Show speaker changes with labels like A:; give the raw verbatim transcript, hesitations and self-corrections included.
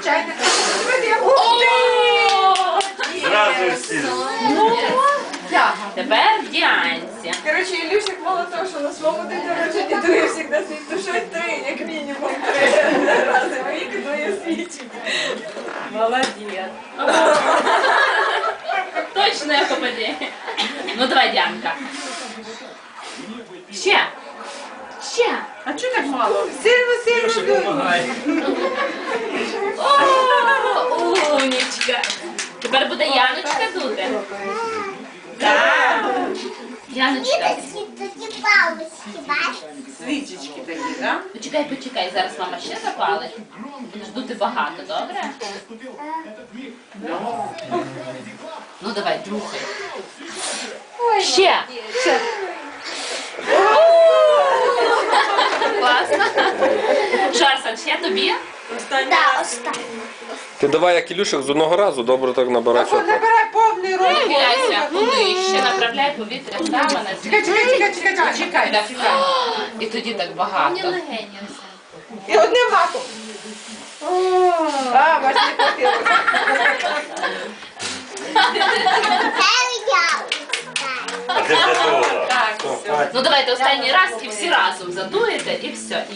A: чайник.
B: Зразу всі.
C: Тепер Діанці.
A: Коротше, Ілюшик мало того, що на своєму день народження дує завжди свій тушить три, як мінімум три рази в рік дує свічі.
C: Молодець. Точно як попаде. Ну давай, Діанка. Ще. Ще.
A: А чого так мало? Сильно, сильно дує.
C: О, умнічка. Тепер буде Яночка дути. Так. Яночка.
D: Такі палочки, бачиш?
A: Свічечки такі, так?
C: Почекай, почекай, зараз мама ще запалить. Будеш дути багато, добре? Ну давай, другий. Ще. Ще. Класно. Шарсан, ще тобі?
D: Так, останнє.
E: Ти давай, як Ілюшик, з одного разу добре так набирайся.
A: Набирай повний рот.
C: Нахиляйся, нижче, направляй повітря прямо на
A: Чекай, чекай, чекай, чекай, чекай.
C: Так, чекай. І тоді так багато.
A: І одним махом. А, бачиш, не хватило.
B: А де де дола?
C: Так. Ну давайте останній раз і всі разом задуєте і все.